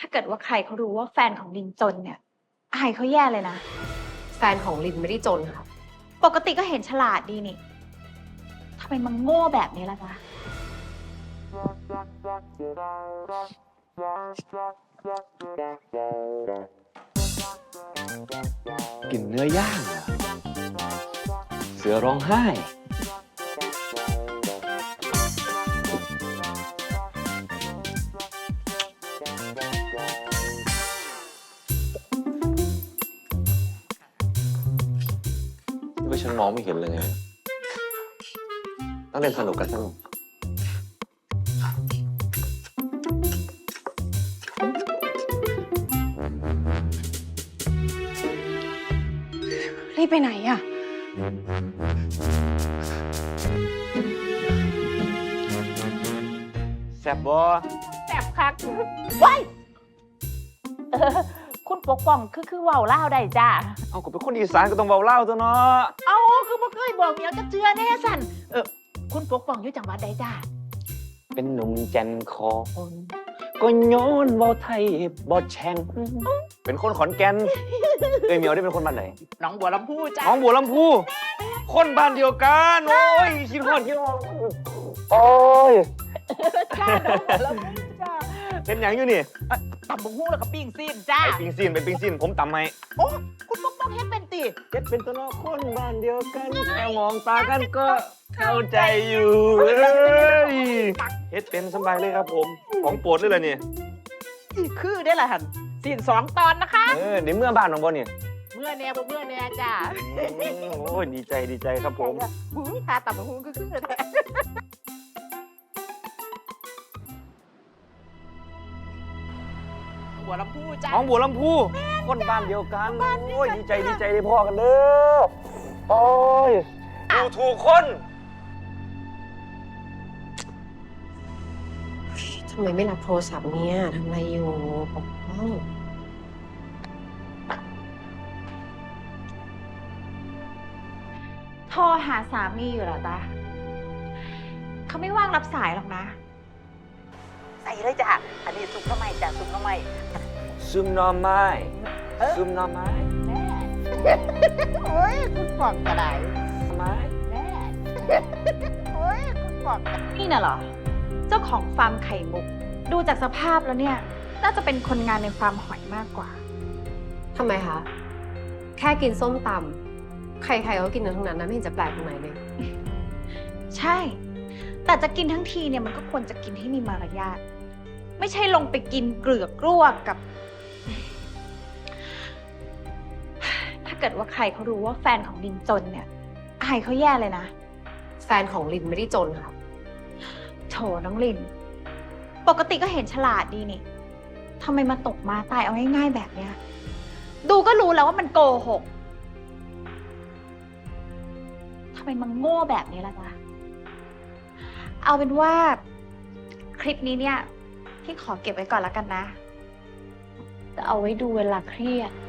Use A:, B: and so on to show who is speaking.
A: เกิดว่าใครเขารู้ว่าแฟนของลินจนเนี่ยอายเขาแย่เลยนะ
B: แฟนของลินไม่ได้จนค่ะ
A: ปกติก็เห็นฉลาดดีนี่ทำไมมันโง่แบบนี้ล่ะจ๊ะ
C: กลิ่นเนื้อย่างเหรอเสือร้องไห้ไม่ฉันมองไม่เห็นเลยไงต้องเล่นสนุกกันสนุก
B: รีบไปไหนอะ
C: แซ่บบ่
D: แสบคักว้ายคุณปกป้องคือเว้าเล่าวได้จ้า
C: เอาก็เป็นคนอีสานก็ต้องเว้าเล่าวตัวเนาะ
D: เอาคือบ่เคยบอกเมียจะเชื่อแน่สันคุณปกป้องอยู่จังหวัดใดจ้า
C: เป็นหนุ่มแจนคอนก็ย้อนเว้าไทยบ่แช่งเป็นคนขอนแก่นเอ้ยเหมียวได้เป็นคนบ้านไหน
D: หนองบัวลำพูจ้า
C: น้องบัวลำพูคนบ้านเดียวกันโอ้ยคิดฮอดโอ้ย
D: จ้าหนองบัวลำพูจ้า
C: เป็นหยังอยู่นี่
D: ตำบักหุ่งแล้วก็ปิ้งซีนจ้า
C: ไปปิ้งซีนไปปิ้งซีนผมตำให้
D: โอ้คุณปกป้องเฮ็ดเป็นติ
C: เจ็ดเป็นตัวเนาะคนบ้านเดียวกันแค่มองตากันก็เข้าใจอยู่เอ้ยเฮ็ดเป็นสบายเลยครับผมของโปรดเลยล่ะนี่
D: คือได้ละหันซีน2 ตอนนะคะ
C: ในเมื่อบ้านของบ่เนี่ย
D: เมื่อแน่บ่เมื่อแน่จ้า
C: โอ้ยดีใจครับผม
D: บุ้ยทาตำบักหุ่งคือแท้บัวลำพูจ้า
C: น้องบัวลำพูคนบ้านเดียวกันโอ้ยดีใจได้พ่อกันเด้อโอ้ยดูถูกคน
B: ทำไมไม่รับโทรศัพท์เนี่ยทำอะไรอยู่ปกป้อง
A: โทรหาสามีอยู่เหรอจ๊ะเขาไม่ว่างรับสายหรอกนะ
D: ใส่เลยจ้าอันนี้ซุปหน้ำไม้จ้าซุปหน้ำไม้
C: ซึมหนอไม้ซึมหนอไม้
D: โอ้ยคุณปอกกระได
C: ไม้
D: แม่โอ้ยคุณปอก
A: นี่น่ะเหรอ เจ้าของฟาร์มไข่มุก ดูจากสภาพแล้วเนี่ย น่าจะเป็นคนงานในฟาร์มหอยมากกว่า
B: ทำไมคะแค่กินส้มตำใครๆก็กินกันทั้งนั้นนะไม่เห็นจะแปลกตรงไหนเลย
A: ใช่ แต่จะกินทั้งทีเนี่ยมันก็ควรจะกินให้มีมารยาท ไม่ใช่ลงไปกินเกลือกกลัวกับ ถ้าเกิดว่าใครเขารู้ว่าแฟนของลินจนเนี่ยอายเขาแย่เลยนะ
B: แฟนของลินไม่ได้จนค่ะ
A: โถน้องลิน ปกติก็เห็นฉลาดดีนี่ทำไมมาตกมาตายเอาง่ายๆแบบเนี้ย ดูก็รู้แล้วว่ามันโกหกทำไมมันโง่แบบนี้ล่ะจ๊ะ เอาเป็นว่าคลิปนี้เนี่ยพี่ขอเก็บไว้ก่อนแล้วกันนะ จะเอาไว้ดูเวลาเครียด